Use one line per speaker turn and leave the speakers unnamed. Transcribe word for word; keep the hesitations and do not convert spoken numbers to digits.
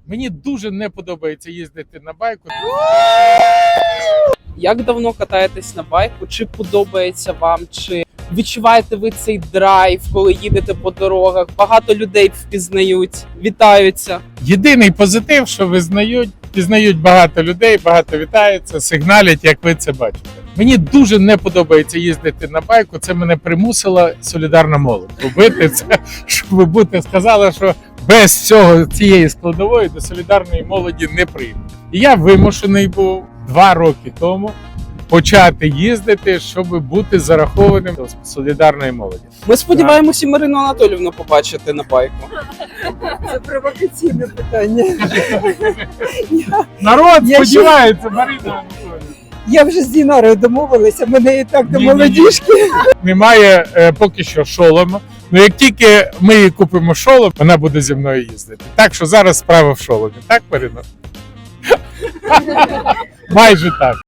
Мені дуже не подобається їздити на байку.
Як давно катаєтесь на байку? Чи подобається вам? Чи відчуваєте ви цей драйв, коли їдете по дорогах? Багато людей впізнають, вітаються.
Єдиний позитив, що визнають, пізнають багато людей, багато вітаються, сигналять, як ви це бачите. Мені дуже не подобається їздити на байку. Це мене примусила солідарна молодь робити це, щоб ви будете сказали, що без цього цієї складової до солідарної молоді не прийде. І я вимушений був два роки тому почати їздити, щоб бути зарахованим до солідарної молоді.
Ми сподіваємося Марину Анатоліївну побачити на байку.
Це провокаційне питання.
Народ
Я
сподівається, Марина Анатоліївна.
Я вже з Дінарою домовилася, мене і так до
Ні-ні-ні.
молодіжки.
Немає е, поки що шолома. Ну як тільки ми їй купимо шолом, вона буде зі мною їздити. Так що зараз справа в шоломі. Так, Марина? Майже так.